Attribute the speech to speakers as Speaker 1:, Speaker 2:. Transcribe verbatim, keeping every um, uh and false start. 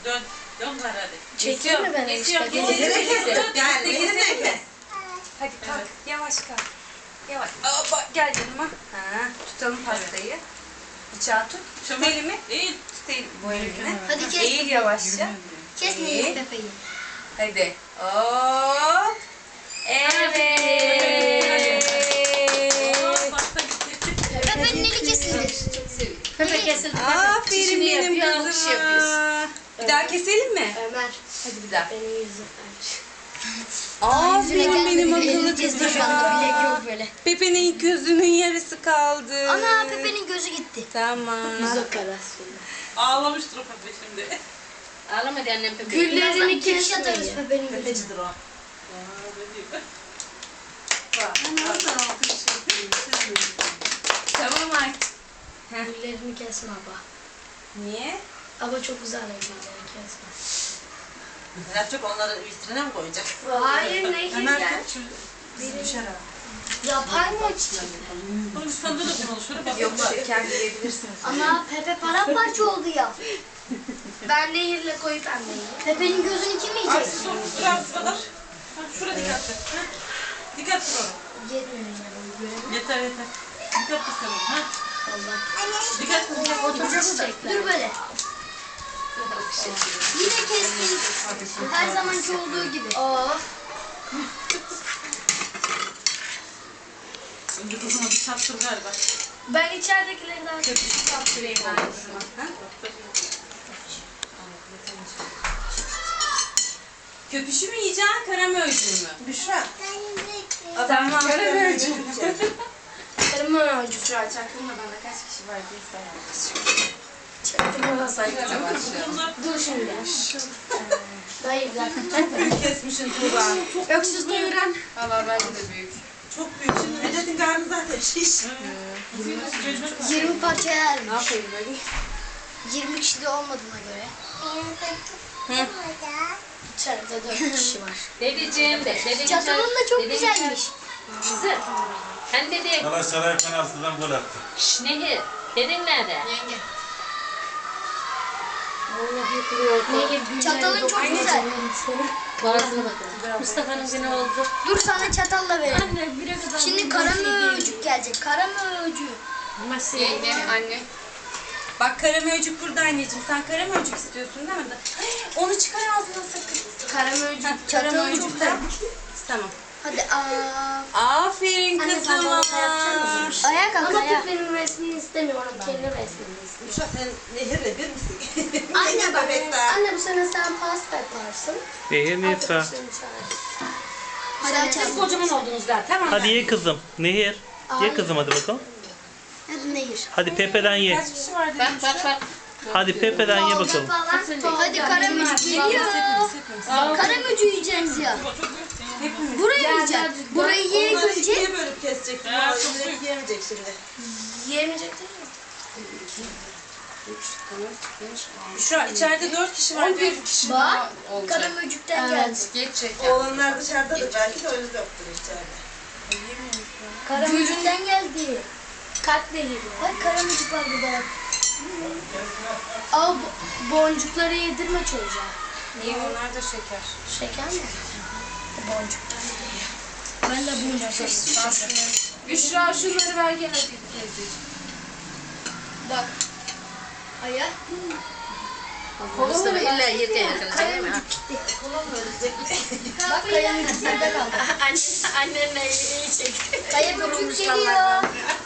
Speaker 1: Dön. Dön var hadi.
Speaker 2: Çekiyor mu ben
Speaker 1: Geçiyor.
Speaker 2: işte?
Speaker 1: Geçiyor.
Speaker 3: Gel, yeniden gel.
Speaker 2: Hadi kalk. Evet. Yavaş kalk. Yavaş. Hoppa, gel yanıma. Ha, tutalım pastayı. Bıçağı tut. Tut elimi.
Speaker 1: Eğil.
Speaker 2: Tut elimi. Bu elini.
Speaker 4: Hadi kes.
Speaker 2: Eğil yavaşça.
Speaker 4: Kes neyi Pepe'yi.
Speaker 2: Hadi. Hop. Evet.
Speaker 1: Pasta gitti.
Speaker 4: Pepe'nin eli kesildi.
Speaker 2: Pepe kesildi. Aferin benim kızıma. Bir daha keselim mi?
Speaker 4: Ömer.
Speaker 2: Hadi bir daha.
Speaker 4: Benim yüzüm.
Speaker 2: Aferin benim akıllı
Speaker 4: Kesmiş kaldı. Bilek
Speaker 2: kızıma.
Speaker 4: yok böyle.
Speaker 2: Pepe'nin gözünün yarısı kaldı.
Speaker 4: Ana Pepe'nin gözü gitti.
Speaker 2: Tamam.
Speaker 1: Ağlamıştır o Pepe şimdi.
Speaker 5: Ağlamadı annem Pepe.
Speaker 4: Güllerini kes atarız Pepe'nin gözü.
Speaker 3: Tepecidir o.
Speaker 2: Tamam artık.
Speaker 4: Güllerini kesme baba.
Speaker 2: Niye?
Speaker 4: Ama çok güzel güllerini kesme.
Speaker 3: Berat çok onları vitrine mi koyacak?
Speaker 4: Hayır ne keseceğim?
Speaker 3: Düşer ha.
Speaker 4: Yapay mı?
Speaker 1: Oğlum sende de bunu şöyle bak.
Speaker 2: Yok kendi yiyebilirsiniz.
Speaker 4: Ana Pepe paramparça oldu ya. Ben nehirle koyup ben nehirle. Pepe'nin gözünü kim yiyecek?
Speaker 1: Dur, dur abi kadar. Ha, şuraya dikkat et. Ha. Dikkat et oraya.
Speaker 4: Yetmiyor yani görelim.
Speaker 1: Yeter yeter. Dikkat et sen. Ha.
Speaker 4: Allah.
Speaker 1: Dikkat et. Dikkat et.
Speaker 4: Oturacağız da. Dur böyle. Yine kestik. Her zamanki olduğu gibi. Oh.
Speaker 1: Önce kızıma bir çarptır galiba.
Speaker 4: Ben içeridekileri daha
Speaker 2: Köpüşü kaptırayım ben kızıma. Ha? Köpüşü mü yiyeceksin, karamörcüğü mü?
Speaker 3: Büşra.
Speaker 2: Tamam. Karamörcüğü.
Speaker 4: Karımı öldü.
Speaker 2: Şu an çaktırmadan da kaç kişi var diye sayalım. Çaktırmadan sayacağım.
Speaker 1: Bunlar
Speaker 4: Dur şimdi. Hayır bir dakika.
Speaker 3: Büyük kesmişsin Tuğba.
Speaker 4: Öksüz doyuran.
Speaker 2: Valla bence de büyük.
Speaker 3: Çok büyük. Şimdi Vedat'ın karnı zaten şiş.
Speaker 4: yirmi parça yer.
Speaker 2: Ne yapayım böyle?
Speaker 4: yirmi kişi de olmadığına göre.
Speaker 2: Hı.
Speaker 4: İçeride dört kişi var.
Speaker 5: Dedeciğim de. Dedeciğim
Speaker 4: Çatalın da çok
Speaker 5: dedeciğim
Speaker 4: güzelmiş.
Speaker 5: Kızım. Sen dedi.
Speaker 6: Galatasaray penaltıdan gol attı.
Speaker 5: Şşş Nehir. Dedin nerede?
Speaker 4: Yenge.
Speaker 5: Nehir
Speaker 4: Çatalın çok güzel.
Speaker 5: Boğazına bakın. Mustafa'nın günü oldu.
Speaker 4: Dur sana çatalla verelim.
Speaker 5: Anne bire kadar.
Speaker 4: Şimdi kara möcük gelecek. Kara möcük.
Speaker 5: Yenge anne.
Speaker 2: Bak karamörcük burada anneciğim. Sen karamörcük istiyorsun değil mi? Ay, onu çıkar ağzına sakın.
Speaker 4: Karamörcük.
Speaker 2: Çatal
Speaker 4: Çatalı çok güzel.
Speaker 2: Tamam.
Speaker 4: Hadi aa.
Speaker 2: Aferin
Speaker 4: Anne, sen
Speaker 2: kızıma.
Speaker 4: bana yapacak mısın? Ayağa kalk
Speaker 5: Ama
Speaker 4: ayağa.
Speaker 5: benim resmini istemiyorum. Kendi resmini istiyorum.
Speaker 3: Büşra sen nehirle bir misin?
Speaker 4: Anne bak.
Speaker 3: bebek daha.
Speaker 4: Anne bu sene sen pasta yaparsın.
Speaker 7: Nehir Nisa.
Speaker 4: Arkadaşlarını çağır. Hadi
Speaker 5: Siz
Speaker 4: açalım.
Speaker 5: kocaman oldunuz daha. Tamam.
Speaker 7: Hadi ye kızım. Nehir. Ye kızım hadi bakalım.
Speaker 4: Hadi nehir.
Speaker 7: Hadi Pepe'den ye.
Speaker 2: Kaç kişi var
Speaker 5: Bak bak bak.
Speaker 7: Hadi Pepe'den ye bakalım.
Speaker 4: Hadi karamücük geliyor. Karamücük yiyeceğiz ya. Burayı yiyeceğiz. Burayı
Speaker 3: Onları
Speaker 4: yiyince
Speaker 3: ikiye bölüp keseceksin.
Speaker 1: Ha,
Speaker 3: Vallahi
Speaker 1: çok
Speaker 3: direkt
Speaker 1: büyük.
Speaker 3: yiyemeyecek şimdi.
Speaker 4: yiyemeyecek değil mi?
Speaker 2: Büşra içeride dört kişi var. Bir kişi
Speaker 4: Bak karamücükten geldi.
Speaker 5: Geçecek.
Speaker 3: Oğlanlar dışarıdadır belki de öyle yoktur içeride.
Speaker 4: Karamücükten geldi. Kalp nehiri. Bak karamücük var burada bak. Al bo- boncukları yedirme çocuğa.
Speaker 2: Niye onlar da şeker?
Speaker 4: Şeker mi? Boncuklar. Ben de boncuk seçtim.
Speaker 5: Büşra şunları ver gel hadi teyzeciğim.
Speaker 4: Bak. Aya.
Speaker 5: Mustafa illa yerken yakalayacak değil mi?
Speaker 4: Karamücük gitti. Bak karamücük nerede kaldı?
Speaker 5: Annenle iyi çekti.
Speaker 4: Karamücük geliyor.